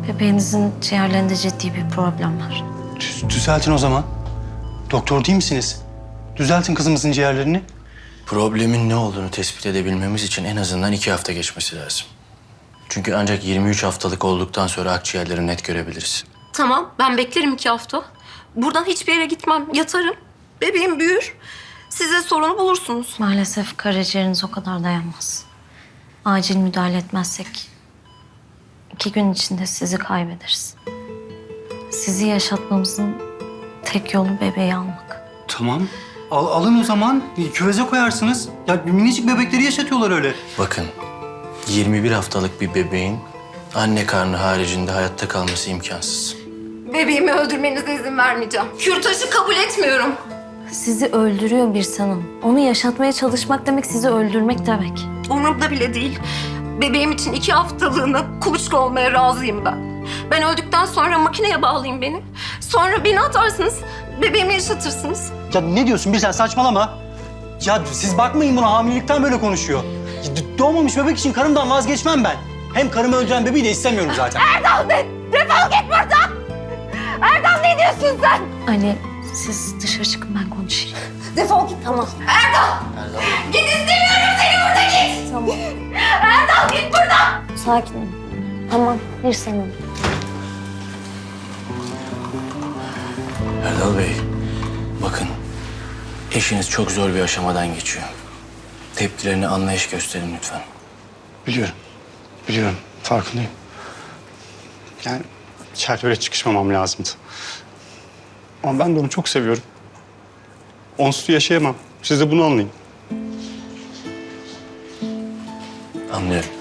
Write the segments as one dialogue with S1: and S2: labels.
S1: Bebeğinizin ciğerlerinde ciddi bir problem var.
S2: Düzeltin o zaman. Doktor değil misiniz? Düzeltin kızımızın ciğerlerini.
S3: Problemin ne olduğunu tespit edebilmemiz için en azından 2 hafta geçmesi lazım. Çünkü ancak 23 haftalık olduktan sonra akciğerleri net görebiliriz.
S4: Tamam, ben beklerim 2 hafta. Buradan hiçbir yere gitmem, yatarım. Bebeğim büyür. Size sorunu bulursunuz.
S1: Maalesef karaciğeriniz o kadar dayanmaz. Acil müdahale etmezsek 2 gün içinde sizi kaybederiz. Sizi yaşatmamızın tek yolu bebeği almak.
S2: Tamam. Alın o zaman. Küveze koyarsınız. Ya minicik bebekleri yaşatıyorlar öyle.
S3: Bakın, 21 haftalık bir bebeğin anne karnı haricinde hayatta kalması imkansız.
S4: Bebeğimi öldürmenize izin vermeyeceğim. Kürtajı kabul etmiyorum.
S1: Sizi öldürüyor bir sanım. Onu yaşatmaya çalışmak demek sizi öldürmek demek.
S4: Umurumda bile değil. Bebeğim için 2 haftalığına kuluçka olmaya razıyım ben. Ben öldükten sonra makineye bağlayın beni. Sonra beni atarsınız, bebeğimi yaşatırsınız.
S2: Ya ne diyorsun bir sen saçmalama. Ya siz bakmayın buna hamilelikten böyle konuşuyor. Doğmamış bebek için karımdan vazgeçmem ben. Hem karımı öldüren bebeği de istemiyorum zaten.
S4: Erdal Bey, defol git buradan! Erdal ne diyorsun sen?
S1: Ali, siz dışarı çıkın ben konuşayım.
S4: Defol git. Tamam. Erdal! Git istemiyorum seni burada git!
S1: Tamam.
S4: Erdal git buradan!
S1: Sakin ol. Tamam, bir sanım.
S3: Erdal Bey, bakın eşiniz çok zor bir aşamadan geçiyor. Tepkilerine anlayış gösterin lütfen.
S2: Biliyorum. Biliyorum. Farkındayım. Yani içeride öyle çıkışmamam lazımdı. Ama ben de onu çok seviyorum. Onsuz yaşayamam. Siz de bunu anlayın.
S3: Anlıyorum.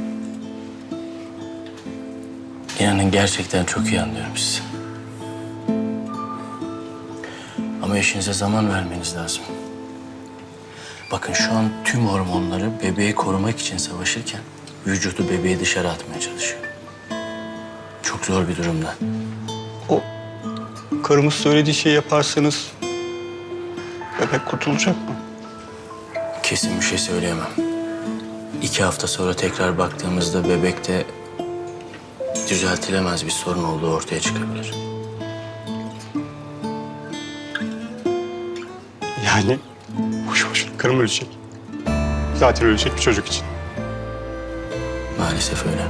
S3: İnanın gerçekten çok iyi anlıyorum sizi. Ama eşinize zaman vermeniz lazım. Bakın şu an tüm hormonları bebeği korumak için savaşırken vücudu bebeği dışarı atmaya çalışıyor. Çok zor bir durumda.
S2: O karımız söylediği şeyi yaparsanız bebek kurtulacak mı?
S3: Kesin bir şey söyleyemem. 2 hafta sonra tekrar baktığımızda bebekte düzeltilemez bir sorun olduğu ortaya çıkabilir.
S2: Yani boşu boşuna karım ölecek. Zaten ölecek bir çocuk için.
S3: Maalesef öyle.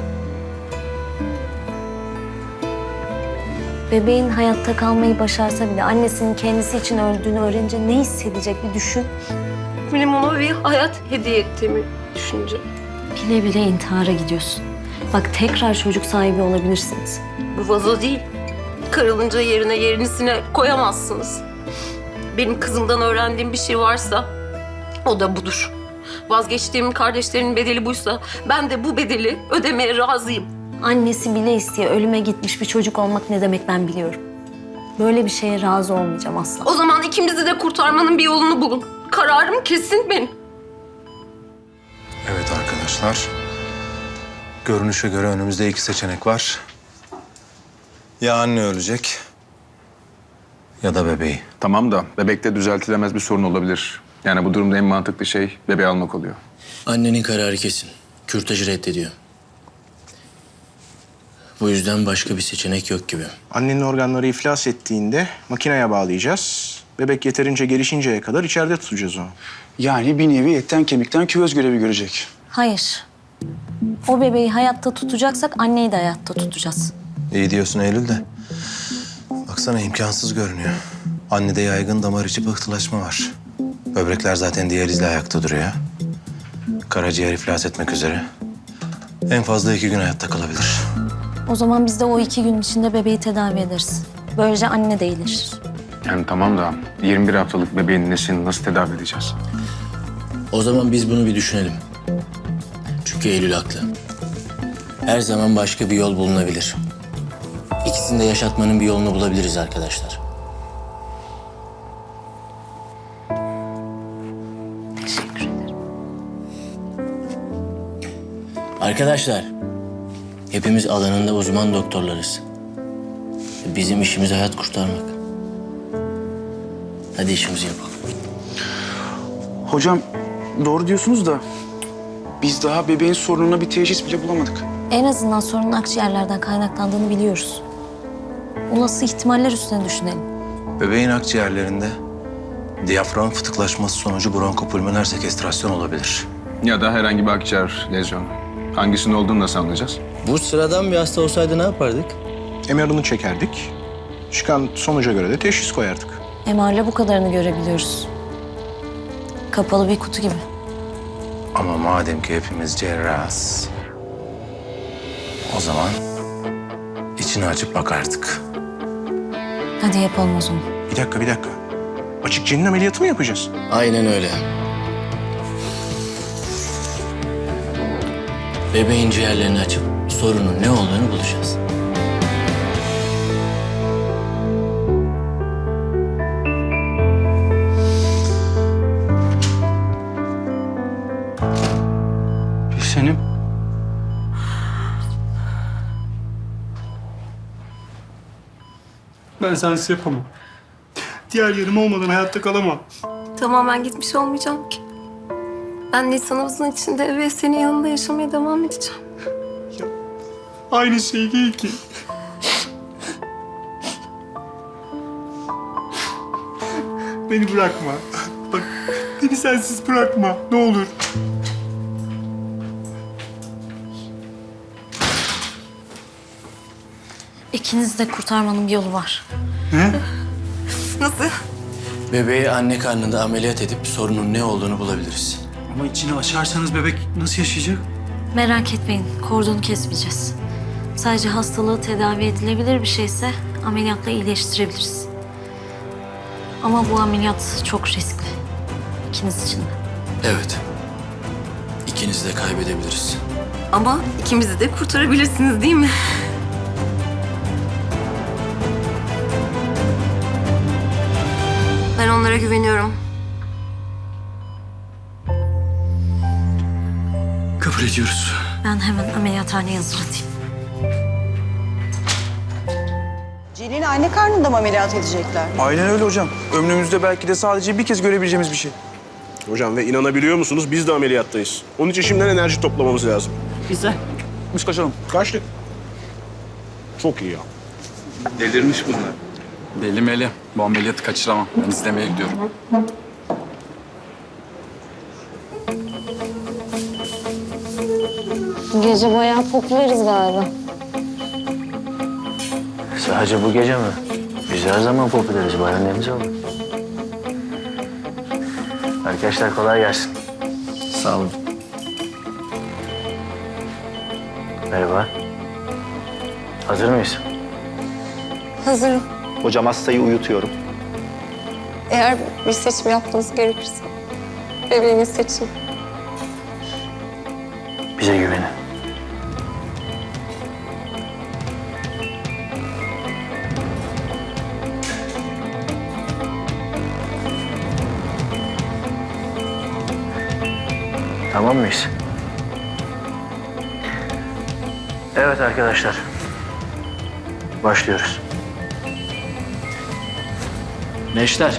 S1: Bebeğin hayatta kalmayı başarsa bile annesinin kendisi için öldüğünü öğrenince ne hissedecek bir düşün.
S4: Benim ona bir hayat hediye ettiğimi düşünce.
S1: Bile bile intihara gidiyorsun. Bak tekrar çocuk sahibi olabilirsiniz.
S4: Bu vazo değil. Kırılınca yerine yenisine koyamazsınız. Benim kızımdan öğrendiğim bir şey varsa o da budur. Vazgeçtiğim kardeşlerimin bedeli buysa ben de bu bedeli ödemeye razıyım.
S1: Annesi bile isteye ölüme gitmiş bir çocuk olmak ne demek ben biliyorum. Böyle bir şeye razı olmayacağım asla.
S4: O zaman ikimizi de kurtarmanın bir yolunu bulun. Kararım kesin benim.
S5: Evet arkadaşlar. Görünüşe göre önümüzde 2 seçenek var. Ya anne ölecek ya da bebeği.
S6: Tamam da bebekte düzeltilemez bir sorun olabilir. Yani bu durumda en mantıklı şey bebeği almak oluyor.
S3: Annenin kararı kesin. Kürtajı reddediyor. Bu yüzden başka bir seçenek yok gibi.
S7: Annenin organları iflas ettiğinde makineye bağlayacağız. Bebek yeterince gelişinceye kadar içeride tutacağız onu.
S8: Yani bir nevi etten kemikten küvez görevi görecek.
S1: Hayır. O bebeği hayatta tutacaksak anneyi de hayatta tutacağız.
S5: İyi diyorsun Eylül de. Baksana imkansız görünüyor. Annede yaygın damar içi pıhtılaşma var. Böbrekler zaten diyalizle ayakta duruyor. Karaciğer iflas etmek üzere. En fazla 2 gün hayatta kalabilir.
S1: O zaman biz de o 2 gün içinde bebeği tedavi ederiz. Böylece anne de iyileşir.
S6: Yani tamam da 21 haftalık bebeğin nesini nasıl tedavi edeceğiz?
S3: O zaman biz bunu bir düşünelim. Çünkü Eylül haklı. Her zaman başka bir yol bulunabilir. İkisini de yaşatmanın bir yolunu bulabiliriz arkadaşlar.
S1: Teşekkür ederim.
S3: Arkadaşlar, hepimiz alanında uzman doktorlarız. Bizim işimiz hayat kurtarmak. Hadi işimizi yapalım.
S8: Hocam doğru diyorsunuz da biz daha bebeğin sorununa bir teşhis bile bulamadık.
S1: En azından sorunun akciğerlerden kaynaklandığını biliyoruz. Olası ihtimaller üstüne düşünelim.
S5: Bebeğin akciğerlerinde diyafram fıtıklaşması sonucu bronkopulmoner sekestrasyon olabilir.
S6: Ya da herhangi bir akciğer lezyonu. Hangisinin olduğunu nasıl anlayacağız?
S3: Bu sıradan bir hasta olsaydı ne yapardık?
S7: MR'ını çekerdik. Çıkan sonuca göre de teşhis koyardık.
S1: MR'la bu kadarını görebiliyoruz. Kapalı bir kutu gibi.
S5: Ama madem ki hepimiz cerrahız, o zaman içini açıp bakardık.
S1: Hadi yapalım o zaman.
S7: Bir dakika. Açık cenin ameliyatı mı yapacağız?
S3: Aynen öyle. Bebeğin ciğerlerini açıp sorunun ne olduğunu bulacağız.
S2: Gülsenim. Ben sensiz yapamam. Diğer yarım olmadan hayatta kalamam.
S4: Tamamen gitmiş olmayacağım ki. Ben Nisan'ımızın içinde ve senin yanında yaşamaya devam edeceğim.
S2: Aynı şey değil ki. Beni bırakma. Bak, beni sensiz bırakma. Ne olur.
S1: İkinizi de kurtarmanın bir yolu var.
S4: Nasıl?
S3: Bebeği anne karnında ameliyat edip sorunun ne olduğunu bulabiliriz.
S8: Ama içini açarsanız bebek nasıl yaşayacak?
S1: Merak etmeyin, kordonu kesmeyeceğiz. Sadece hastalığı tedavi edilebilir bir şeyse ameliyatla iyileştirebiliriz. Ama bu ameliyat çok riskli. İkiniz için de.
S3: Evet. İkinizi de kaybedebiliriz.
S4: Ama ikimizi de kurtarabilirsiniz değil mi? Ben onlara güveniyorum.
S8: Kabul ediyoruz.
S1: Ben hemen ameliyathaneye hazırlatayım.
S9: Celil'i anne karnında mı ameliyat edecekler?
S8: Aynen öyle hocam. Ömrümüzde belki de sadece bir kez görebileceğimiz bir şey.
S10: Hocam ve inanabiliyor musunuz biz de ameliyattayız. Onun için şimdiden enerji toplamamız lazım.
S8: Biz kaçalım.
S10: Kaçtık. Çok iyi ya.
S6: Delirmiş bunlar.
S11: Belli Meli. Bu ameliyatı kaçıramam. Ben izlemeye gidiyorum.
S1: Gece bayağı popüleriz galiba.
S3: Sadece bu gece mi? Biz her zaman popüleriz. Bayanlarımız olur. Arkadaşlar kolay gelsin. Sağ olun. Merhaba. Hazır mıyız?
S9: Hazırım.
S12: Hocam hastayı uyutuyorum.
S9: Eğer bir seçim yapmanız gerekirse bebeğini seçin.
S3: Bize güvenin. Tamam mıyız? Evet arkadaşlar. Başlıyoruz. Neşter.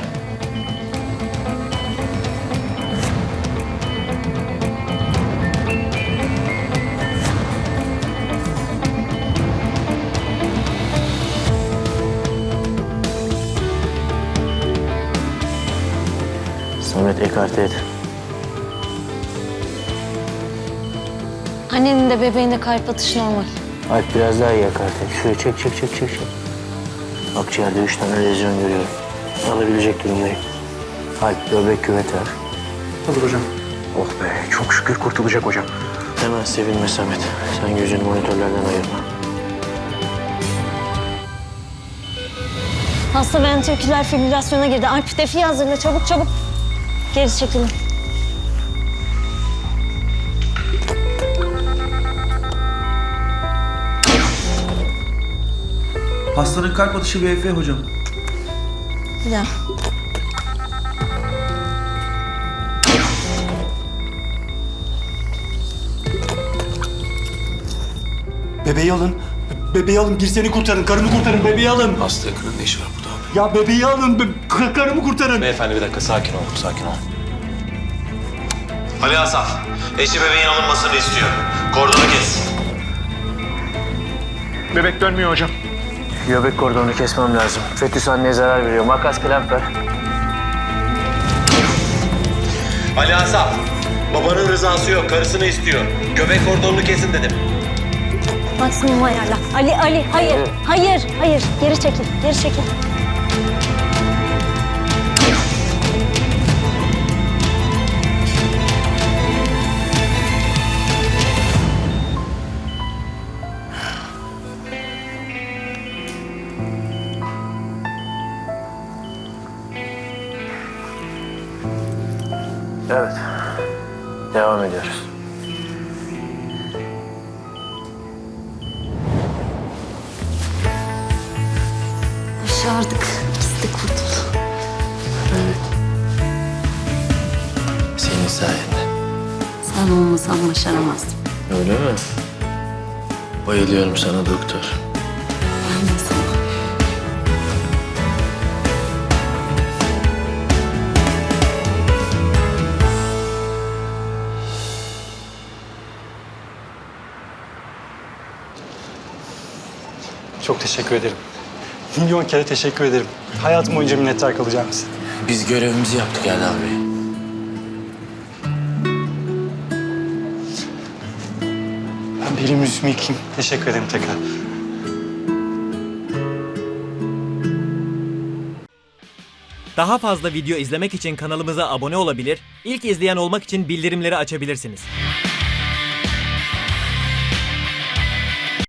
S3: Samet ekarte et.
S1: Annenin de bebeğin de kalp atışı normal.
S3: Alp biraz daha iyi ekarte et. Şuraya çek. Akciğerde 3 tane lezyon görüyorum. Alabilecek durumdayım. Alp böbrek küveti ver.
S7: Olur hocam. Oh be, çok şükür kurtulacak hocam.
S3: Hemen sevinme Samet. Sen gözünü monitörlerden ayırma.
S1: Hasta ventriküler fibrilasyona girdi. Alp defiyi hazırla çabuk. Geri çekilin.
S8: Hastanın kalp atışı VF hocam.
S1: Bir daha.
S2: Bebeği alın. Bebeği alın. Girseni kurtarın. Karımı kurtarın. Bebeği alın.
S5: Hasta yakının ne işi var burada abi?
S2: Ya bebeği alın. Karımı kurtarın.
S5: Beyefendi bir dakika sakin olun, sakin olun. Ali Asaf, eşi bebeğin alınmasını istiyor. Kordonu kes.
S7: Bebek dönmüyor hocam.
S3: Göbek kordonunu kesmem lazım. Fetüs anneye zarar veriyor. Makas klemp ver.
S5: Ali Asaf, babanın rızası yok, karısını istiyor. Göbek kordonunu kesin dedim.
S1: Maksimum ayarla. Ali, hayır. Geri çekil.
S3: Evet. Devam ediyoruz.
S1: Başardık. İkisi de kurtuldu.
S3: Senin sayende.
S1: Sen olmasan başaramazdım.
S3: Öyle mi? Bayılıyorum sana doktor.
S1: Ben de sana.
S2: Çok teşekkür ederim. Milyon kere teşekkür ederim. Hayatım boyunca minnettar kalacağım size.
S3: Biz görevimizi yaptık Erdal Bey.
S2: Ben bir elimi yüzümü yıkayayım. Teşekkür ederim tekrar.
S13: Daha fazla video izlemek için kanalımıza abone olabilir, ilk izleyen olmak için bildirimleri açabilirsiniz.